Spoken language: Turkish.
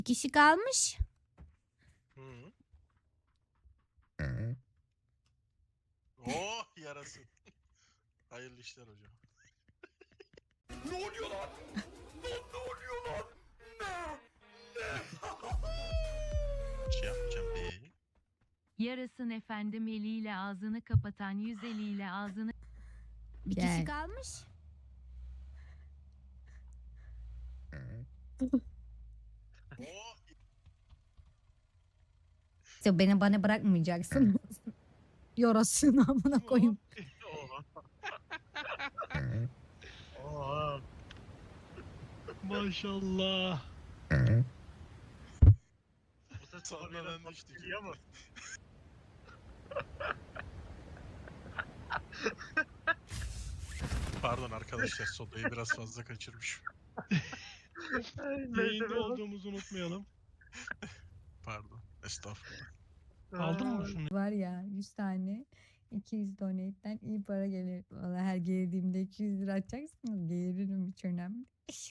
Kişi kalmış. Hı. Oh yarasın. Hayırlı işler hocam. Ne oluyor lan? Ne oluyor lan? Bir şey yapmayacağım be. Yarasın efendim, eliyle ağzını kapatan, yüz eliyle ağzını... Bir Gel. kişi kalmış. Oh. Sen bana bırakmayacaksın. Yorasın amına koyayım. Oha. Maşallah. Bu ses sonradan düştü. Ama. Pardon arkadaşlar, sodayı biraz fazla kaçırmışım. Yayında olduğumuzu unutmayalım. Pardon. Estağfurullah. Aldın mı şunu? Var ya 100 tane 200 donate'den iyi para gelir. Valla her geldiğimde 200 lira atacaksınız. Gelirim hiç önemli.